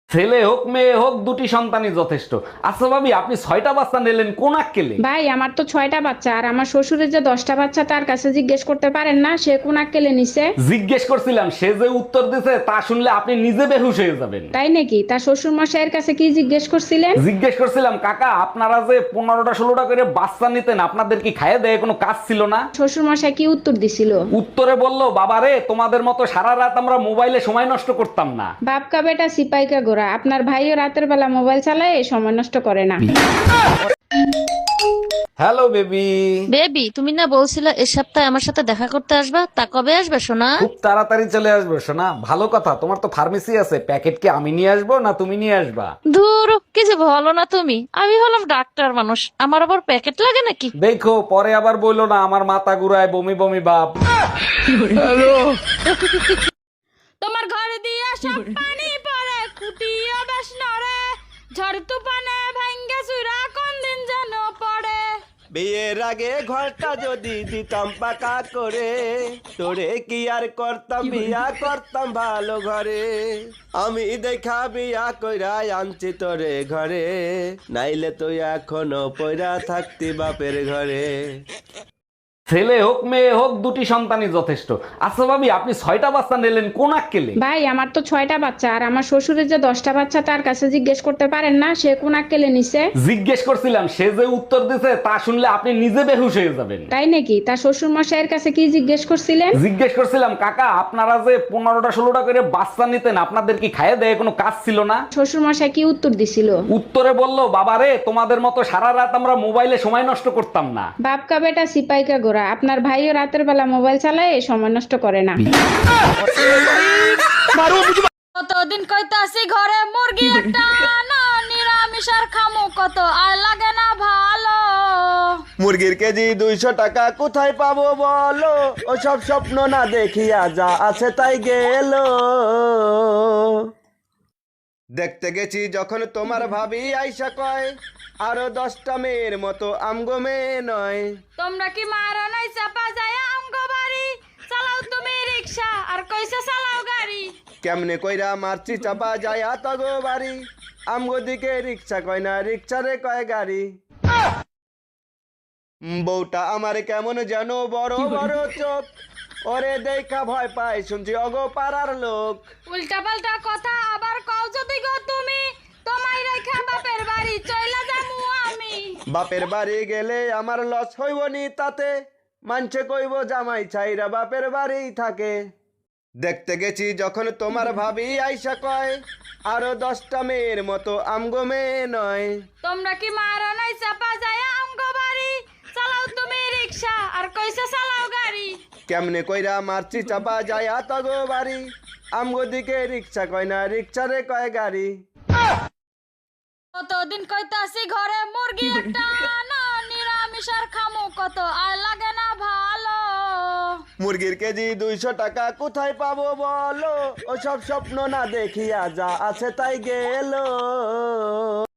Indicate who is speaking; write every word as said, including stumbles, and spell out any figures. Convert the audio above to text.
Speaker 1: ছেলে হোক মেয়ে হোক দুটি সন্তানই যথেষ্ট। আচ্ছা ভাবি, আপনি ছয়টা বাচ্চা নিলেন কোন আক্কেলে?
Speaker 2: ভাই আমার তো ছয়টা বাচ্চা, আর আমার শ্বশুরের যে দশটা বাচ্চা তার কাছে জিজ্ঞেস করতে পারেন না সে কোন আক্কেলে নিছে?
Speaker 1: জিজ্ঞেস করছিলাম, সে যে উত্তর দিছে তা শুনলে আপনি নিজে বেহুশ হয়ে যাবেন।
Speaker 2: তাই নাকি? তার শ্বশুর মশাইয়ের কাছে কি জিজ্ঞেস করছিলেন?
Speaker 1: জিজ্ঞেস করছিলাম, কাকা আপনারা যে পনেরোটা ষোলোটা করে বাচ্চা নিতেন, আপনাদের কি খাইয়ে দেয় কোনো কাজ ছিল না?
Speaker 2: শ্বশুর মশাই কি উত্তর দিছিল?
Speaker 1: উত্তরে বলল, বাবারে তোমাদের মতো সারা রাত আমরা মোবাইলে সময় নষ্ট করতাম না।
Speaker 2: বাপকা বেটা সিপাইকা গোরা, আপনার ভাইও রাতের বেলা মোবাইল চালায় সময় নষ্ট করে না।
Speaker 1: Hello baby.
Speaker 3: বেবি, তুমি না বলছিলে এ সপ্তাহে আমার সাথে দেখা করতে আসবা, তা কবে আসবে সোনা?
Speaker 1: খুব তাড়াতাড়ি চলে আসবে শোনা। ভালো কথা, তোমার তো ফার্মেসি আছে, প্যাকেট কি আমি নিয়ে আসবো না তুমি নিয়ে আসবা?
Speaker 3: ধুর, কি যে বলো না তুমি, আমি হলাম ডাক্তার মানুষ, আমার আবার প্যাকেট লাগে নাকি?
Speaker 1: দেখো পরে আবার বললো না আমার মাথা ঘুরায় বমি বমি ভাব।
Speaker 4: তোমার ঘর দিয়া সব পানি পড়ে, খুঁটিও বেশ নড়ে, ঝড় তুফানে ভাঙ্গে চুরা কোন দিন যেন পড়ে।
Speaker 5: বিয়ের আগে ঘরটা যদি দিতাম পাকা করে, তোরে কি আর করতাম, বিয়া করতাম ভালো ঘরে। আমি দেখা বিয়া কইরা আনছি তোরে ঘরে, নাইলে তুই এখনো পয়রা থাকতি বাপের ঘরে।
Speaker 1: ছেলে হোক মেয়ে হোক দুটি সন্তানই যথেষ্ট। আচ্ছা ভাবি, আপনি ছয়টা বাচ্চা নিলেন কোন আক্কেলে?
Speaker 2: ভাই আমার তো ছয়টা বাচ্চা, আর আমার শ্বশুরের যে দশটা বাচ্চা তার কাছে জিজ্ঞেস করতে পারেন না সে কোন আক্কেলে নিছে?
Speaker 1: জিজ্ঞেস করছিলাম, সে যে উত্তর দিছে তা শুনলে আপনি নিজে বেহুশ হয়ে যাবেন।
Speaker 2: তাই নাকি? তার শ্বশুর মশাইয়ের কাছে কি জিজ্ঞেস করছিলেন?
Speaker 1: জিজ্ঞেস করছিলাম, কাকা আপনারা যে পনেরোটা ষোলোটা করে বাচ্চা নিতেন, আপনাদের কি খাইয়ে দেয় কোনো কাজ ছিল না?
Speaker 2: শ্বশুর মশাই কি উত্তর দিছিল?
Speaker 1: উত্তরে বলল, বাবারে তোমাদের মতো সারা রাত আমরা মোবাইলে সময় নষ্ট করতাম না।
Speaker 2: বাপকা বেটা সিপাইকা গোরা, আপনার ভাইও রাতের বেলা মোবাইল চালায় সময় নষ্ট করে না।
Speaker 4: কতদিন কইতাছি ঘরে মুরগি একটা আনো, নিরামিষ আর খামু কত আর লাগে না ভালো।
Speaker 5: মুরগির কেজি দুইশো টাকা কোথায় পাবো বলো, ও সব স্বপ্ন না দেখিয়া যা আছে তাই গেল। দেখতে গেছি যখন তোমার ভাবি আইসা কয়, আরো দশটা মেয়ের মতো আমগো মেয়ে নয়।
Speaker 4: তোমরা কি মারা নাই চাপা যায় আমগো বাড়ি, চালাও তুমি রিক্সা আর কইসা চালাও গাড়ি।
Speaker 5: কেমনে কইরা মারছি চাপা যায় তগো বাড়ি, আমগো দিকে রিক্সা কয় না, রিক্সারে কয় গাড়ি। উম, বউটা আমার কেমন যেন বড় বড় চোখ, ওরে দেখা ভয় পায় শুনছি অগো পাড়ার লোক।
Speaker 4: উল্টা পাল্টা কথা আবার কও যদি গো তুমি, তোমায় রেখা বাপের বাড়ি চইলা যামু আমি।
Speaker 5: বাপের বাড়ি গেলে আমার লস হইব নি তাতে, মানছে কইব জামাই ছাইরা বাপের বাড়ি থাকে। দেখতে গেছি যখন তোমার ভাবি আইসা কয়, আরো দশটা মেয়ের মতো আমগো মেয়ে নয়।
Speaker 4: তোমরা কি মারা নাই চাপা যায় আমগো বাড়ি, চালাও তুমি রিক্সা আর কইসা চালাও গাড়ি।
Speaker 5: কেমনে কইরা মারছি চাপা যায় তগো বাড়ি, আমগো দিকে রিক্সা কয় না, রিক্সারে কয় গাড়ি।
Speaker 4: কতদিন কইতাছি ঘরে মুরগি একটা আনো, নিরামিষ আর খামু কত আর লাগে না ভালো।
Speaker 5: মুরগির কেজি দুইশো টাকা কোথায় পাবো বলো, ও সব স্বপ্ন না দেখিয়া যা আছে তাই গেল।